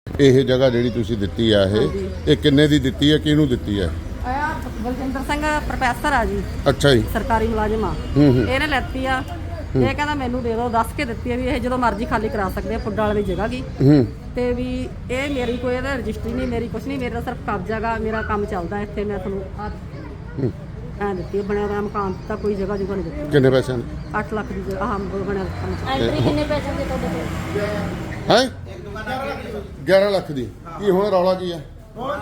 ਇਹ ਜਗ੍ਹਾ ਜਿਹੜੀ ਤੁਸੀਂ ਦਿੱਤੀ ਆ ਇਹ ਕਿੰਨੇ ਦੀ ਦਿੱਤੀ ਹੈ, ਕਿਹਨੂੰ ਦਿੱਤੀ ਹੈ? ਬਲਜਿੰਦਰ ਸਿੰਘ ਪ੍ਰੋਫੈਸਰ ਆ ਜੀ। ਅੱਛਾ ਜੀ, ਸਰਕਾਰੀ ਮੁਲਾਜ਼ਮ ਆ। ਇਹਨੇ ਲੈਤੀ ਆ, ਇਹ ਕਹਿੰਦਾ ਮੈਨੂੰ ਦੇ ਦਿਓ, ਦੱਸ ਕੇ ਦਿੱਤੀ ਆ ਵੀ ਇਹ ਜਦੋਂ ਮਰਜ਼ੀ ਖਾਲੀ ਕਰਾ ਸਕਦੇ ਆ ਪੁੱਡਾ ਵਾਲੀ ਜਗ੍ਹਾ ਕੀ ਤੇ ਵੀ ਇਹ ਮੇਰੀ ਕੋਈ ਇਹਦਾ ਰਜਿਸਟਰੀ ਨਹੀਂ, ਮੇਰੀ ਕੁਛ ਨਹੀਂ, ਮੇਰਾ ਸਿਰਫ ਕਬਜ਼ਾ ਗਾ, ਮੇਰਾ ਕੰਮ ਚੱਲਦਾ ਇੱਥੇ। ਮੈਂ ਤੁਹਾਨੂੰ ਐਂ ਦਿੱਤੀ ਬਣਿਆ ਹੋਇਆ ਮਕਾਨ ਤਾਂ ਕੋਈ ਜਗ੍ਹਾ ਜੁਗਾ ਨਹੀਂ ਦਿੱਤੀ। ਕਿੰਨੇ ਪੈਸਿਆਂ ਦੀ? 8 ਲੱਖ ਦੀ ਜਗ੍ਹਾ ਬਣਿਆ ਕੰਮ। ਐਂਟਰੀ ਕਿੰਨੇ ਪੈਸੇ ਦੇ ਤੁਹਾਡੇ ਕੋਲ? ਹੈ 11 ਲੱਖ ਦੀ। ਕੀ ਹੁਣ ਰੌਲਾ ਕੀ ਹੈ?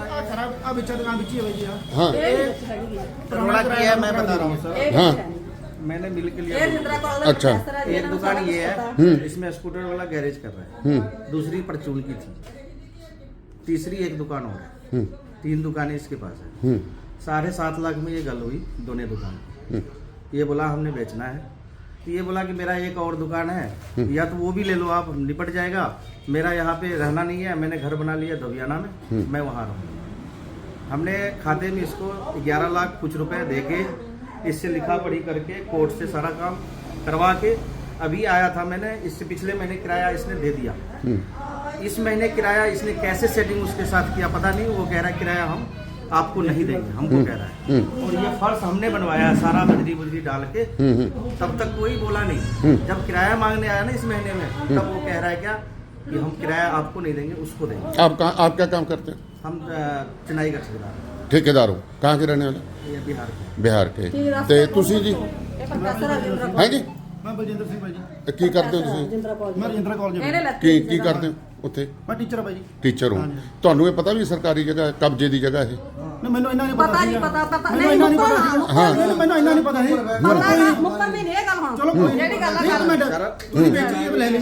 हाँ रोड़ा किया है, मैं बता रहा हूँ सर। हाँ मैंने मिल के लिया। अच्छा, एक दुकान ये है, इसमें स्कूटर वाला गैरेज कर रहा है, दूसरी परचून की थी, तीसरी एक दुकान और है, 3 दुकानें इसके पास है। 7.5 लाख में ये गल हुई दोनों दुकान। ये बोला हमने बेचना है, तो ये बोला कि मेरा एक और दुकान है, या तो वो भी ले लो आप, निपट जाएगा, मेरा यहाँ पे रहना नहीं है, मैंने घर बना लिया धोबियाना में, मैं वहाँ रहूँगा। हमने खाते में इसको 11 लाख कुछ रुपए दे के इससे लिखा पढ़ी करके कोर्ट से सारा काम करवा के अभी आया था। मैंने इससे पिछले महीने किराया इसने दे दिया, इस महीने किराया इसने कैसे सेटिंग उसके साथ किया पता नहीं। वो कह रहा है किराया हम आपको नहीं देंगे, हमको कह रहा है। और ये फर्श हमने बनवाया सारा बजरी बुजरी डाल के, तब तक कोई बोला नहीं। जब किराया मांगने आया ना इस महीने में, तब वो कह रहा है क्या कि हम किराया आपको नहीं देंगे, उसको देंगे। आप क्या काम करते हैं? हम चेन्नई का ठेकेदार हो? कहाँ के रहने वाले? ये बिहार के। बिहार के। ਤੇ ਤੁਸੀਂ ਜੀ ਹੈ ਜੀ ਮੈਂ ਬਲਜਿੰਦਰ ਸਿੰਘ ਭਾਈ ਜੀ। ਕੀ ਕਰਦੇ ਹੋ ਤੁਸੀਂ? ਮੈਂ ਰਜਿੰਦਰਾ ਕਾਲਜ ਇਹਨੇ ਲੈਤੀ ਕੀ ਕਰਦੇ ਹੋ ਉੱਥੇ? ਮੈਂ ਟੀਚਰ ਭਾਈ ਜੀ। ਟੀਚਰ ਹੋ। ਤੁਹਾਨੂੰ ਇਹ ਪਤਾ ਵੀ ਸਰਕਾਰੀ ਜਗ੍ਹਾ ਕਬਜ਼ੇ ਦੀ ਜਗ੍ਹਾ ਇਹ? ਨਾ ਮੈਨੂੰ ਇੰਨਾ ਨਹੀਂ ਪਤਾ ਨਹੀਂ, ਪਤਾ ਨਹੀਂ, ਮੈਨੂੰ ਇੰਨਾ ਨਹੀਂ ਪਤਾ ਸੀ। ਮੁੱਕਰ ਵੀ ਨਹੀਂ ਇਹ ਗੱਲ ਹੁਣ। ਚਲੋ ਕੋਈ ਜਿਹੜੀ ਗੱਲ ਆ ਮਿੰਟ ਤੁਸੀਂ ਬੇਚੀ ਇਹ ਲੈ ਲਈ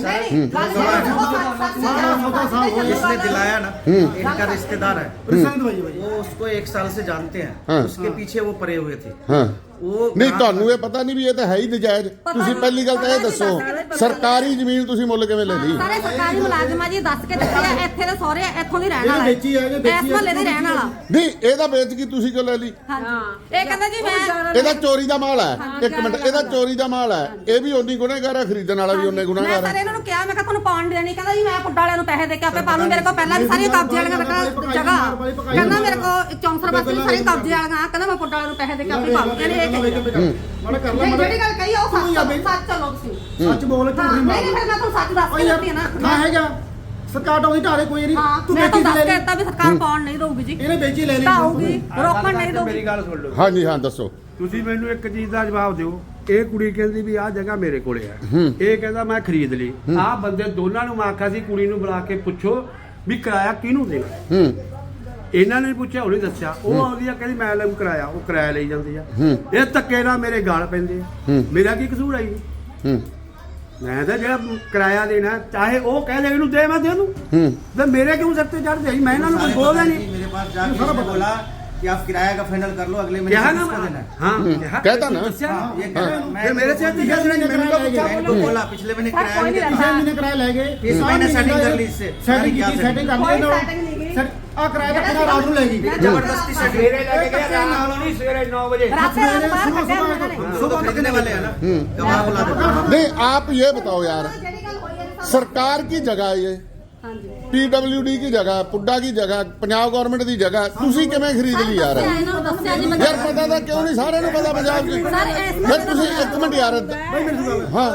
जिसने दिलाया ना, इनका रिश्तेदार है, ਰਿਸ਼ਤੇਦਾਰ ਭਾਈ ਭਾਈ वो उसको 1 साल से जानते हैं, हाँ। उसके पीछे वो पड़े हुए थे। ਹਾਂ वो ਨਹੀਂ, ਤੁਹਾਨੂੰ ਇਹ ਪਤਾ ਨਹੀਂ ਵੀ ਇਹ ਤਾਂ ਹੈ ਹੀ ਨਜਾਇਜ਼? ਤੁਸੀਂ ਪਹਿਲੀ ਗੱਲ ਤਾਂ ਇਹ ਦੱਸੋ, ਸਰਕਾਰੀ ਜ਼ਮੀਨ ਤੁਸੀਂ ਮੁੱਲ ਕਿਵੇਂ ਲੈ ਲਈ? ਸਾਰੇ ਸਰਕਾਰੀ ਮੁਲਾਜ਼ਮਾਂ ਜੀ ਦੱਸ ਕੇ ਦਿੱਤੇ ਆ, ਇੱਥੇ ਦੇ ਸਹੁਰੇ ਇੱਥੋਂ ਦੀ ਰਹਿਣ ਵਾਲਾ ਹੈ, ਵੇਚੀ ਆ, ਇਹ ਵੇਚੀ ਆ। ਇਸ ਮਹੱਲੇ ਦੀ ਰਹਿਣ ਵਾਲਾ। ਨਹੀਂ, ਇਹਦਾ ਵੇਚ ਕੇ ਤੁਸੀਂ ਕਿਉਂ ਲੈ ਲਈ? ਹਾਂਜੀ, ਇਹ ਕਹਿੰਦਾ ਜੀ ਮੈਂ ਇਹਦਾ ਚੋਰੀ ਦਾ ਮਾਲ ਹੈ। ਇੱਕ ਮਿੰਟ, ਇਹਦਾ ਚੋਰੀ ਦਾ ਮਾਲ ਹੈ, ਇਹ ਵੀ ਓਨੀ ਗੁਨਾਹਗਾਰ ਹੈ, ਖਰੀਦਣ ਵਾਲਾ ਵੀ ਓਨੇ ਮੈਂ ਗੁਨਾਹਗਾਰ ਸਾਰੇ ਹੈ। ਇਹਨਾਂ ਨੂੰ ਕਿਹਾ, ਮੈਂ ਕਿਹਾ ਤੁਹਾਨੂੰ ਪਾਉਣ ਦੇਣੀ, ਕਹਿੰਦਾ ਜੀ ਮੈਂ ਪੁੱਡਾ ਵਾਲਿਆਂ ਨੂੰ ਪੈਸੇ ਦੇ ਕੇ ਆਪੇ ਪਾ ਲੂੰ, ਮੇਰੇ ਕੋਲ ਪਹਿਲਾਂ ਵੀ ਸਾਰੀਆਂ ਕਬਜ਼ੇ ਵਾਲੀਆਂ ਜਗ੍ਹਾ, ਕਹਿੰਦਾ ਮੇਰੇ ਕੋਲ ਚੌਂਸਰ ਵਾਸਤੇ ਵੀ ਸਾਰੀਆਂ ਕਬਜ਼ੇ ਵਾਲੀਆਂ, ਕਹਿੰਦਾ ਮੈਂ ਪੁੱਡਾ ਵਾਲਿਆਂ ਨੂੰ ਪੈਸੇ ਦੇ ਕੇ ਆਪੇ ਪਾ ਲੂੰ। ਇਹਨੇ ਇਹ ਕਹੀ ਮਾੜਾ ਕਰ ਲੈ ਜਿਹੜੀ ਗੱਲ ਕਹੀ ਆ ਉਹ ਸੱਚ ਚੱਲੋ ਤੁਸੀਂ। ਸੱਚ ਬੋਲ ਝੂਠ ਨਹੀਂ ਨਹੀਂ ਫਿਰ ਮੈਂ ਤੁਹਾਨੂੰ ਸੱਚ ਦੱਸ ਕੇ ਦਿੱਤੀ ਨਾ। ਨਾ ਹੈਗਾ ਸਰਕਾਰ ਟੋਦੀ ਢਾਲੇ ਕੋਈ ਨਹੀਂ। ਤੂੰ ਮੈਂ ਵੇਚੀ ਤਾਂ ਲੈ ਦੱਸ ਕੇ ਲਈ, ਦਿੱਤਾ ਵੀ ਸਰਕਾਰ ਪਾਉਣ ਨਹੀਂ ਦਊਗੀ ਜੀ, ਇਹਨੇ ਵੇਚੀ ਲੈ ਲਈ। ਢਾਊਗੀ, ਰੋਕਣ ਨਹੀਂ ਦਊਗੀ। ਮੇਰੀ ਗੱਲ ਸੁਣ ਲਓ। ਹਾਂਜੀ ਹਾਂ, ਦੱਸੋ। ਤੁਸੀਂ ਮੈਨੂੰ ਇੱਕ ਚੀਜ਼ ਦਾ ਜਵਾਬ ਦਿਓ। ਇਹ ਕੁੜੀ ਕਹਿੰਦੀ ਵੀ ਆਹ ਜਗ੍ਹਾ ਮੇਰੇ ਕੋਲੇ ਹੈ, ਇਹ ਕਹਿੰਦਾ ਮੈਂ ਖਰੀਦ ਲਈ। ਆਹ ਬੰਦੇ ਦੋਨਾਂ ਨੂੰ ਮੈਂ ਆਖਿਆ ਸੀ ਕੁੜੀ ਨੂੰ ਬੁਲਾ ਕੇ ਪੁੱਛੋ ਵੀ ਕਿਰਾਇਆ ਕਿਹਨੂੰ ਦੇਣਾ। ਇਹਨਾਂ ਨੇ ਪੁੱਛਿਆ, ਉਹਨੇ ਦੱਸਿਆ। ਉਹ ਆਉਂਦੀ ਆ ਕਹਿੰਦੀ ਮੈਂ ਲੈ ਕਿਰਾਇਆ, ਉਹ ਕਿਰਾਇਆ ਲਈ ਜਾਂਦੀ ਆ। ਇਹ ਧੱਕੇ ਨਾਲ ਮੇਰੇ ਗਾਲ ਪੈਂਦੇ ਆ। ਮੇਰਾ ਕੀ ਕਸੂਰ ਆਈ? ਮੈਂ ਤਾਂ ਜਿਹੜਾ ਕਿਰਾਇਆ ਦੇਣਾ, ਚਾਹੇ ਉਹ ਕਹਿ ਦੇ ਇਹਨੂੰ ਦੇ, ਮੈਂ ਦੇ ਦੂੰ। ਤੇ ਮੇਰੇ ਕਿਉਂ ਸਿਰ ਤੇ ਚੜ੍ਹਦੇ? ਮੈਂ ਇਹਨਾਂ ਨੂੰ ਕੁਝ ਬੋਲਦਾ ਨਹੀਂ। मेरे पास जाके बोला कि आप किराया का फाइनल कर लो, अगले महीने ਕਿਹਾ ਨਾ किसको देना है? ਹਾਂ कहता ना। ये कह रहा है, ਫਿਰ ਮੇਰੇ ਸਿਰ ਤੇ ਜਦ ਨਹੀਂ ਮੈਨੂੰ ਤਾਂ ਪੁੱਛਾ मैं इनको बोला पिछले महीने किराया नहीं देना। ਪਿਛਲੇ ਮਹੀਨੇ ਕਿਰਾਇਆ ਲੈ ਗਏ, इस महीने सेटिंग कर ली इससे। ਸੈਟਿੰਗ क्या ਕੀਤੀ, ਸੈਟਿੰਗ ਕਰ ਕੋਈ ਲਈ setting ਨਹੀਂ ਗਈ। ਆ ਕਿਰਾਇਆ ਦਾ ਕਿਹੜਾ ਰਾਤ ਨੂੰ ਲੈ ਗਈ। जबरदस्ती सेटिंग ਸਵੇਰੇ ਲੈ ਕੇ ਗਿਆ, ਰਾਤ ਨੂੰ ਨਹੀਂ, ਸਵੇਰੇ 9 ਵਜੇ। ਰਾਤੇ ਰਾਤ ਬਾਹਰ ਕੱਢਿਆ ਉਹਨਾਂ ਨੇ। सुबह खरीदने वाले हैं ना, गवाह बुला देते। नहीं, आप ये बताओ यार, ਜਿਹੜੀ ਗੱਲ ਹੋਈ ਹੈ ਸਭ सरकार की जगह है ये, ਹਾਂਜੀ PWD की जगह, पुड्डा की जगह, पंजाब गवर्नमेंट की जगह, तुसी किवें खरीद ली यार? ਇਹਨਾਂ ਨੂੰ ਦੱਸਿਆ ਜੀ ਮੈਂ यार पता था क्यों नहीं? सारे ਨੂੰ पता पंजाब की। फिर तुसी एक मिनट यार, हाँ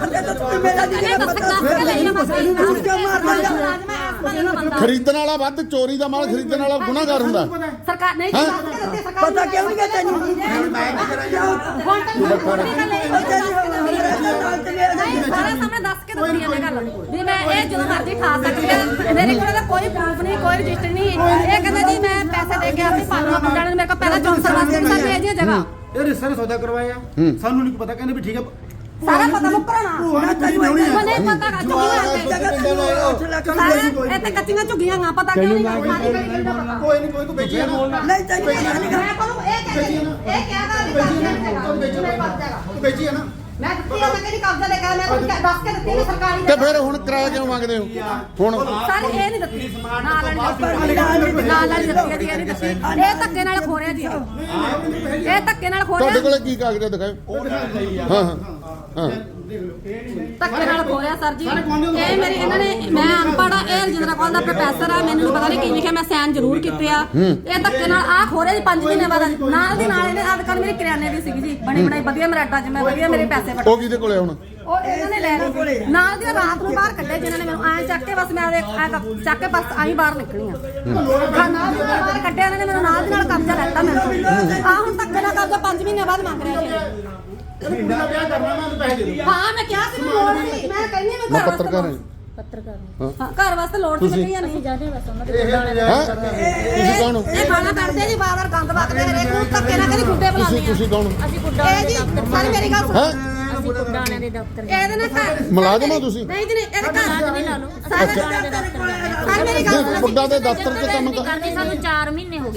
ਖਰੀਦਣ ਵਾਲਾ ਵੱਧ, ਚੋਰੀ ਦਾ ਮਾਲ ਖਰੀਦਣ ਵਾਲਾ ਗੁਨਾਹਗਾਰ ਹੁੰਦਾ। ਸਰਕਾਰ ਨਹੀਂ ਪਤਾ ਕਿਉਂ ਨਹੀਂ ਤੈਨੂੰ ਸਾਰਾ ਸਾਹਮਣੇ ਦੱਸ ਕੇ ਦਿੱਤੀ ਇਹਨੇ ਗੱਲ ਵੀ ਮੈਂ ਇਹ ਜਦੋਂ ਮਰਜ਼ੀ ਖਾ ਸਕਦੀ ਹਾਂ, ਮੇਰੇ ਕੋਲ ਤਾਂ ਕੋਈ ਪ੍ਰੂਫ ਨਹੀਂ, ਕੋਈ ਰਜਿਸਟਰ ਨਹੀਂ। ਇਹ ਕਹਿੰਦਾ ਜੀ ਮੈਂ ਪੈਸੇ ਦੇ ਕੇ ਆਪੇ ਪਾਲਣਾ ਪੁੱਟਾਂ ਨੇ, ਮੇਰੇ ਕੋਲ ਪਹਿਲਾਂ 64 ਵਾਸਤੇ ਵੀ ਸਾਡੀ ਇਹ ਜਗ੍ਹਾ ਇਹ ਰਿਸ਼ਤੇ ਦਾ ਸੌਦਾ ਕਰਵਾਇਆ, ਸਾਨੂੰ ਨਹੀਂ ਪਤਾ। ਕਹਿੰਦੇ ਵੀ ਠੀਕ ਹੈ, ਸਾਰਾ ਪਤਾ ਮੁੱਕਰਣਾ ਨਹੀਂ ਪਤਾ ਇਹ ਤੇ ਕੱਚੀਆਂ ਝੁੱਗੀਆਂ ਆ, ਪਤਾ ਕਿਉਂ ਨਹੀਂ ਕੋਈ ਨਹੀਂ, ਕੋਈ ਤੂੰ ਵੇਚੀ ਆ ਨਾ। ਨਹੀਂ ਚਾਹੀਦੀ ਮੈਂ ਤੁਹਾਨੂੰ ਇਹ ਕਹਿੰਦੀ ਇਹ ਕਿਹਾ ਤੂੰ ਵੇਚੀ ਆ ਨਾ। ਮੈਂ ਦਿੱਤੀ ਆ, ਮੈਂ ਕਿਹੜੀ ਕਬਜ਼ਾ ਲੈ ਕੇ ਮੈਂ ਤੁਹਾਨੂੰ ਦੱਸ ਕੇ ਦਿੱਤੀ ਸਰਕਾਰੀ ਤੇ ਫਿਰ ਹੁਣ ਕਿਰਾਇਆ ਕਿਉਂ ਮੰਗਦੇ ਹੋ ਹੁਣ? ਸਾਰੇ ਇਹ ਨਹੀਂ ਦਿੱਤੀ, ਨਾਲ ਵਾਲੀ ਦਿੱਤੀ ਹੈ ਜੀ, ਇਹ ਨਹੀਂ ਦਿੱਤੀ। ਇਹ ਧੱਕੇ ਨਾਲ ਖੋਰਿਆ ਜੀ, ਇਹ ਧੱਕੇ ਨਾਲ ਤੁਹਾਡੇ ਖੋਰਿਆ। ਕੋਲੇ ਕੀ ਕਾਗਜ਼ ਦਿਖਾਓ? ਹਾਂ ਹਾਂ ਹਾਂ, ਧੱਕੇ ਨਾਲ ਖੋਲਿਆ ਸਰ ਜੀ। ਇਹ ਮੇਰੀ ਇਹਨਾਂ ਨੇ, ਮੈਂ ਅਨਪੜ੍ਹ ਆ, ਇਹ ਰਜਿੰਦਰਾ ਕੌਰ ਦਾ ਪ੍ਰੋਫੈਸਰ ਆ, ਮੈਨੂੰ ਪਤਾ ਨਹੀਂ ਕੀ ਲਿਖਿਆ, ਮੈਂ ਸਾਈਨ ਜ਼ਰੂਰ ਕੀਤੇ ਆ। ਇਹ ਧੱਕੇ ਨਾਲ ਆ ਖੋਰੇ ਦੀ 5 ਮਹੀਨੇ ਬਾਅਦ ਨਾਲ ਦੀ ਨਾਲ ਇਹਨੇ ਦੁਕਾਨ ਮੇਰੀ ਕਰਿਆਨੇ ਦੀ ਸੀਗੀ ਜੀ, ਬਣੀ ਬਣਾਈ ਵਧੀਆ ਮਰਾਟਾ ਚ, ਮੈਂ ਵਧੀਆ ਮੇਰੇ ਪੈਸੇ ਵਟੇ। ਉਹ ਕਿਹਦੇ ਕੋਲੇ ਹੁਣ? ਉਹ ਇਹਨਾਂ ਨੇ ਲੈ ਲਈ ਨਾਲ ਦੀ ਰਾਤ ਨੂੰ ਬਾਹਰ ਕੱਢੇ, ਜਿਨ੍ਹਾਂ ਨੇ ਮੈਨੂੰ ਐਂ ਚੱਕ ਕੇ ਬਸ ਮੈਂ ਚੱਕ ਕੇ ਬਸ ਆਈ ਬਾਹਰ ਨਿਕਲੀ ਆ। ਨਾਲ ਦੀ ਬਾਹਰ ਕੱਢਿਆ ਇਹਨਾਂ ਨੇ, ਮੈਨੂੰ ਨਾਲ ਦੀ ਨਾਲ ਕਬਜ਼ਾ ਲੈਤਾ ਮੈਨੂੰ। ਆ ਹੁਣ ਧੱਕੇ ਨਾਲ ਕਬਜ਼ਾ 5 ਮਹੀਨੇ ਬਾਅਦ ਮੰਗ ਰਿਹਾ ਜੀ। ਹਾਂ ਮੈਂ ਕਿਹਾ ਸੀ ਲੋੜ ਨਹੀਂ, ਮੈਂ ਕਹਿੰਦੀ ਮੈਂ ਪੱਤਰਕਾਰ ਹਾਂ। ਪੱਤਰਕਾਰ ਹਾਂ ਘਰ ਵਾਸਤੇ ਲੋੜ ਨਹੀਂ ਲੱਗੀ ਜਾਂ ਨਹੀਂ ਜਾਣੇ ਬਸ ਉਹਨਾਂ ਦੇ ਤੁਸੀਂ ਕੌਣ ਹੋ? ਇਹ ਖਾਣਾ ਕਰਦੇ ਜੀ ਬਾਰ-ਬਾਰ ਗੰਦ ਵਗਦੇ ਹਰੇਕ ਨੂੰ ਧੱਕੇ ਨਾਲ ਕਦੀ ਗੁੱਡੇ ਬੁਲਾਉਂਦੇ ਆ। ਤੁਸੀਂ ਕੌਣ? ਅਸੀਂ ਗੁੱਡਾ ਇਹ ਜੀ ਸਾਰੀ ਮੇਰੀ ਗੱਲ ਸੁਣੋ। ਅਸੀਂ ਗੁੱਡਾਣਿਆਂ ਦੇ ਦਫ਼ਤਰ ਇਹਦੇ ਨਾਲ ਘਰ ਮੁਲਾਜ਼ਮ ਹੋ ਤੁਸੀਂ? ਨਹੀਂ ਜੀ ਨਹੀਂ, ਇਹਦੇ ਘਰ ਵੀ ਲਾ ਲਓ ਸਾਰੇ ਗੁੱਡਾਣਿਆਂ ਦੇ ਦਫ਼ਤਰ ਸਾਰੀ ਮੇਰੀ ਗੱਲ ਸੁਣੋ। ਪੁੱਡਾ ਦੇ ਦਫ਼ਤਰ 'ਚ ਕੰਮ ਕਰ। ਕਰਦੇ ਸਾਨੂੰ 4 ਮਹੀਨੇ ਹੋ ਗਏ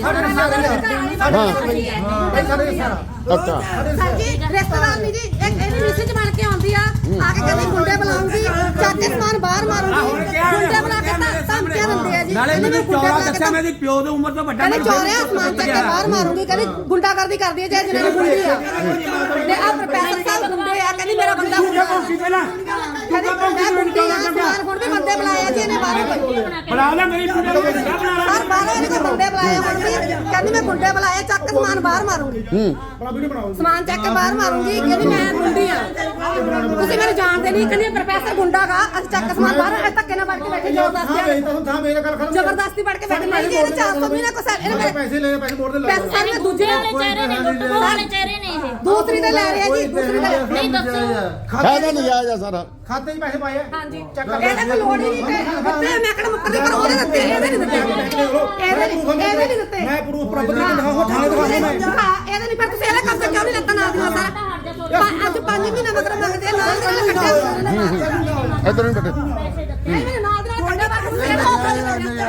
ਅੱਛਾ ਸਰ ਜੀ ਰਿਸ਼ਤੇਦਾਰ ਨਹੀਂ ਜੀ, ਇਹਦੀ ਮਿਸਿਜ ਬਣ ਕੇ ਆਉਂਦੀ ਆ ਕੇ ਕਹਿੰਦੀ ਗੁੰਡੇ ਬੁਲਾਉਂਗੀ, ਚੱਕ ਕੇ ਸਮਾਨ ਬਾਹਰ ਮਾਰੂਗੀ, ਗੁੰਡੇ ਬੁਲਾ ਕੇ ਧਮਕੀਆਂ ਦਿੰਦੇ ਆ ਜੀ। ਨਾਲੇ ਕਹਿੰਦੀ ਮੈਨੂੰ ਮੈਂ ਗੁੰਡੇ ਚੌਰਾ ਬੁਲਾ ਕੇ ਦੱਸਿਆ, ਮੇਰੀ ਪਿਓ ਦੀ ਉਮਰ ਤੋਂ ਵੱਡਾ ਕਹਿੰਦੀ ਚੋਰਿਆ ਸਮਾਨ ਚੱਕ ਕੇ ਬਾਹਰ ਮਾਰੂਗੀ, ਕਹਿੰਦੀ ਗੁੰਡਾਗਰਦੀ ਕਰਦੀ ਹੈ ਜੇ ਜਿਹਨਾਂ ਗੁੰਡੀ ਆ। ਤੇ ਆ ਪ੍ਰੋਫੈਸਰ ਸਾਹਿਬ ਗੁੰਡੇ ਆ, ਕਹਿੰਦੀ ਮੇਰਾ ਬੰਦਾ ਗੁੰਡਾ ਕਹਿੰਦੀ ਮੈਂ ਗੁੰਡੀ ਆ, ਸਮਾਨ ਹੁਣ ਵੀ ਬੰਦੇ ਬੁਲਾਏ ਜੀ ਇਹਨੇ ਬਾਹਰੋਂ। ਬਣਾ ਲੈ ਮੇਰੀ ਬਣਾ ਲੈ ਸਰ ਬਾਹਰੋਂ ਇਹਨੇ ਬੰਦੇ ਬੁਲਾਏ ਹੁਣ ਵੀ, ਕਹਿੰਦੀ ਮੈਂ ਗੁੰਡੇ ਬੁਲਾਏ, ਚੱਕ ਕੇ ਸਮਾਨ ਬਾਹਰ ਮਾਰੂਗੀ, ਸਮਾਨ ਚੱਕ ਕੇ ਬਾਹਰ ਮਾਰੂਗੀ, ਕਹਿੰਦੀ ਮੈਂ ਗੁੰਡੀ ਆ, ਤੁਸੀਂ ਮੈਨੂੰ ਜਾਣਦੇ ਨਹੀਂ, ਕਹਿੰਦੀ ਪ੍ਰੋਫੈਸਰ ਗੁੰਡਾ ਗਾ, ਅਸੀਂ ਚੱਕ ਕੇ ਸਮਾਨ ਬਾਹਰ ਧੱਕੇ ਨਾਲ ਵੜ ਕੇ ਬੈਠੇ ਜ਼ਬਰਦਸਤੀ ਵੜ ਕੇ ਬੈਠੇ ਨਹੀਂ ਜੀ। ਇਹਨੇ 400 ਮਹੀਨੇ ਕੋ ਸਰ ਇਹਨੇ ਪੈਸੇ ਲੈ ਪੈਸੇ ਮੋੜ ਦੇ ਪੈਸੇ ਸਾਰੇ ਦੂਜੇ ਵਾਲੇ ਚਿਹਰੇ ਨੇ ਲੁੱਟ ਵਾਲੇ ਚਿਹਰੇ ਨੇ ਇਹ ਦੂਸਰੀ ਤੇ ਲੈ ਰਿਹਾ ਜੀ, ਦੂਸਰੀ ਤੇ ਨਹੀਂ ਦੱਸੋ ਖਾਦਾ ਨਜਾਇਜ਼ ਆ ਸਾਰਾ। ਖਾਤੇ 'ਚ ਪੈਸੇ ਪਾਏ ਆ। ਹਾਂਜੀ ਇਹਦੇ ਕੋਲ ਲੋੜ ਹੀ ਨਹੀਂ ਤੇ ਬੱਤੇ ਮੈਂ ਕਿਹੜਾ ਮੁੱਕਦੇ ਪਰ ਉਹਦੇ ਦਿੱਤੇ, ਇਹਦੇ ਨਹੀਂ ਦਿੱਤੇ, ਇਹਦੇ ਨਹੀਂ ਦਿੱਤੇ। ਮੈਂ ਪ੍ਰੂਫ ਪ੍ਰਾਪਤ ਕਰਕੇ ਦਿਖਾਓ, ਥਾਣੇ ਦਿਖਾਓ ਮੈਂ। ਇਹਦੇ ਨਹੀਂ, ਪਰ ਤੁਸੀਂ ਇਹਦਾ ਕਬਜ਼ਾ ਕਿਉਂ ਨਹੀਂ ਲੱਤਾ ਨਾਲ ਦੀ ਨਾਲ ਸਾਰਾ? ਅੱਜ 5 ਮਹੀਨੇ ਮਗਰ ਮੰਗਦੇ ਆ, ਨਾਲ ਦੀ ਨਾਲ ਕੱਟਿਆ। ਇੱਧਰ ਨਹੀਂ ਬੈਠੇ। ਇਹ ਮੇਰੇ ਨਾਲ ਦੀ ਨਾਲ ਕੱਟਿਆ ਬਾਅਦ ਤੁਸੀਂ ਇਹਦਾ ਔਖਾ ਨਹੀਂ ਕਰਨਾ।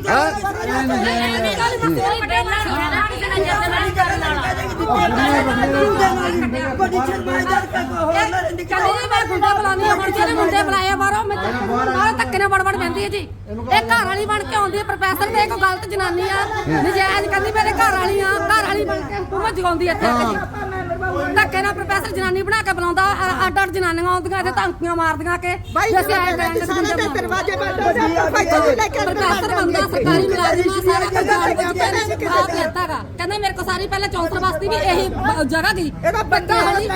ਮੁੰਡੇ ਬੁਲਾਏ ਬਾਹਰੋਂ, ਮੈਂ ਧੱਕੇ ਨਾਲ ਵੜ ਪੈਂਦੀ ਹੈ ਜੀ। ਇਹ ਘਰ ਵਾਲੀ ਬਣ ਕੇ ਆਉਂਦੀ ਹੈ ਪ੍ਰੋਫੈਸਰ ਤੇ, ਇੱਕ ਗਲਤ ਜਨਾਨੀ ਆ, ਨਜਾਇਜ਼ ਕਹਿੰਦੀ ਮੇਰੇ ਘਰ ਵਾਲੀ ਆ, ਘਰ ਵਾਲੀ ਬਣ ਕੇ ਹੁਕਮ ਜਗਾਉਂਦੀ ਇੱਥੇ ਆ ਕੇ ਧੱਕੇ ਨਾਲ ਪ੍ਰੋਫੈਸਰ ਜਨਾਨੀ ਬਣਾ ਕੇ ਬੁਲਾਉਂਦਾ। ਅੱਡ ਅੱਡ ਜਨਾਨੀਆਂ ਆਉਂਦੀਆਂ ਇੱਥੇ ਧਮਕੀਆਂ ਮਾਰਦੀਆਂ ਕਿ ਅਸੀਂ ਆਏ ਕਰਾਂਗੇ ਦਰਵਾਜ਼ੇ ਪ੍ਰੋਫੈਸਰ ਬੰਦਾ ਸਰਕਾਰੀ ਮੁਲਾਜ਼ਮ ਆ, ਸਾਰਾ ਕੁਝ ਜਾਣਦਾ ਜੀ। ਆਪ ਲੈਤਾਗਾ ਕਹਿੰਦਾ ਮੇਰੇ ਕੋ ਸਾਰੀ ਪਹਿਲਾਂ ਚੌਂਸਰ ਵਾਸਤੇ ਵੀ ਇਹੀ ਜਗ੍ਹਾ ਗਈ ਬੱਗਾ ਵਾਲੀ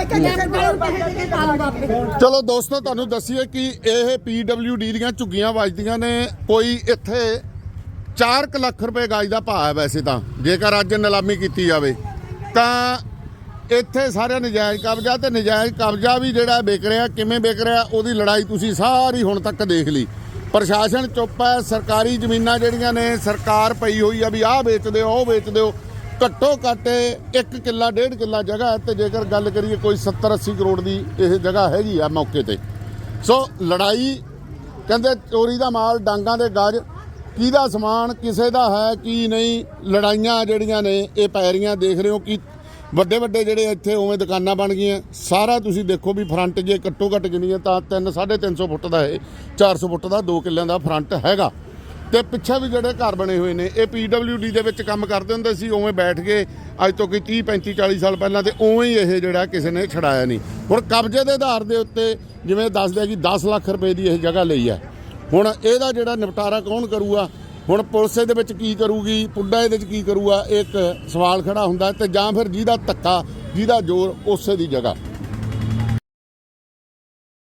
ਚਲੋ ਦੋਸਤੋ ਤੁਹਾਨੂੰ ਦੱਸੀਏ ਕਿ ਇਹ PWD ਦੀਆਂ ਝੁੱਗੀਆਂ ਵੱਜਦੀਆਂ ਨੇ। ਕੋਈ ਇੱਥੇ 4 ਲੱਖ ਰੁਪਏ ਗਜ ਦਾ ਭਾਅ ਹੈ ਵੈਸੇ ਤਾਂ, ਜੇਕਰ ਅੱਜ ਨਿਲਾਮੀ ਕੀਤੀ ਜਾਵੇ ਤਾਂ। ਇੱਥੇ ਸਾਰਾ ਨਜਾਇਜ਼ ਕਬਜ਼ਾ, ਤੇ ਨਜਾਇਜ਼ ਕਬਜ਼ਾ ਵੀ ਜਿਹੜਾ ਵਿਕ ਰਿਹਾ, ਕਿਵੇਂ ਵਿਕ ਰਿਹਾ, ਉਹਦੀ ਲੜਾਈ ਤੁਸੀਂ ਸਾਰੀ ਹੁਣ ਤੱਕ ਦੇਖ ਲਈ। ਪ੍ਰਸ਼ਾਸਨ ਚੁੱਪ ਹੈ। ਸਰਕਾਰੀ ਜ਼ਮੀਨਾਂ ਜਿਹੜੀਆਂ ਨੇ ਸਰਕਾਰ ਪਈ ਹੋਈ ਆ ਵੀ ਆਹ ਵੇਚ ਦਿਓ, ਉਹ ਵੇਚ ਦਿਓ। ਘੱਟੋ ਘੱਟ 1 ਕਿੱਲਾ 1.5 ਕਿੱਲਾ ਜਗ੍ਹਾ, ਤੇ ਜੇਕਰ ਗੱਲ ਕਰੀਏ ਕੋਈ 70-80 ਕਰੋੜ ਦੀ ਇਹ ਜਗ੍ਹਾ ਹੈਗੀ ਆ ਮੌਕੇ ਤੇ। ਸੋ ਲੜਾਈ ਕਹਿੰਦੇ ਚੋਰੀ ਦਾ ਮਾਲ ਡਾਂਗਾਂ ਦੇ ਗੱਜ, ਕਿਹਦਾ ਸਮਾਨ ਕਿਸੇ ਦਾ ਹੈ ਕੀ ਨਹੀਂ, ਲੜਾਈਆਂ ਜਿਹੜੀਆਂ ਨੇ ਇਹ ਪੈ ਰਹੀਆਂ। ਦੇਖ ਰਹੇ ਹੋ ਕਿ ਵੱਡੇ ਵੱਡੇ ਜਿਹੜੇ ਇੱਥੇ ਉਵੇਂ ਦੁਕਾਨਾਂ ਬਣ ਗਈਆਂ। ਸਾਰਾ ਤੁਸੀਂ ਦੇਖੋ ਵੀ ਫਰੰਟ ਜੇ ਘੱਟੋ ਘੱਟ ਗਿਣੀਏ ਤਾਂ 3-350 ਫੁੱਟ ਦਾ ਇਹ 400 ਫੁੱਟ ਦਾ 2 ਕਿੱਲਿਆਂ ਦਾ ਫਰੰਟ ਹੈਗਾ। ਤੇ ਪਿੱਛੇ ਵੀ ਜਿਹੜੇ ਘਰ ਬਣੇ ਹੋਏ ਨੇ ਇਹ PWD ਦੇ ਵਿੱਚ ਕੰਮ ਕਰਦੇ ਹੁੰਦੇ ਸੀ, ਉਵੇਂ ਬੈਠ ਕੇ ਅੱਜ ਤੋਂ ਕੋਈ 30-35-40 ਸਾਲ ਪਹਿਲਾਂ, ਤੇ ਉਵੇਂ ਹੀ ਇਹ ਜਿਹੜਾ ਕਿਸੇ ਨੇ ਛਡਾਇਆ ਨਹੀਂ। ਹੁਣ ਕਬਜ਼ੇ ਦੇ ਆਧਾਰ ਦੇ ਉੱਤੇ ਜਿਵੇਂ ਦੱਸਦੇ ਆ ਕਿ 10 ਲੱਖ ਰੁਪਏ ਦੀ ਇਹ ਜਗ੍ਹਾ ਲਈ ਹੈ। ਹੁਣ ਇਹਦਾ ਜਿਹੜਾ ਨਿਪਟਾਰਾ ਕੌਣ ਕਰੂਗਾ? ਹੁਣ ਪੁਲਿਸ ਇਹਦੇ ਵਿੱਚ ਕੀ ਕਰੂਗੀ, ਪੁੱਡਾ ਇਹਦੇ ਵਿੱਚ ਕੀ ਕਰੂਗਾ, ਇੱਕ ਸਵਾਲ ਖੜਾ ਹੁੰਦਾ। ਤੇ ਜਾਂ ਫਿਰ ਜਿਹਦਾ ਧੱਕਾ, ਜਿਹਦਾ ਜ਼ੋਰ, ਉਸੇ ਦੀ ਜਗ੍ਹਾ।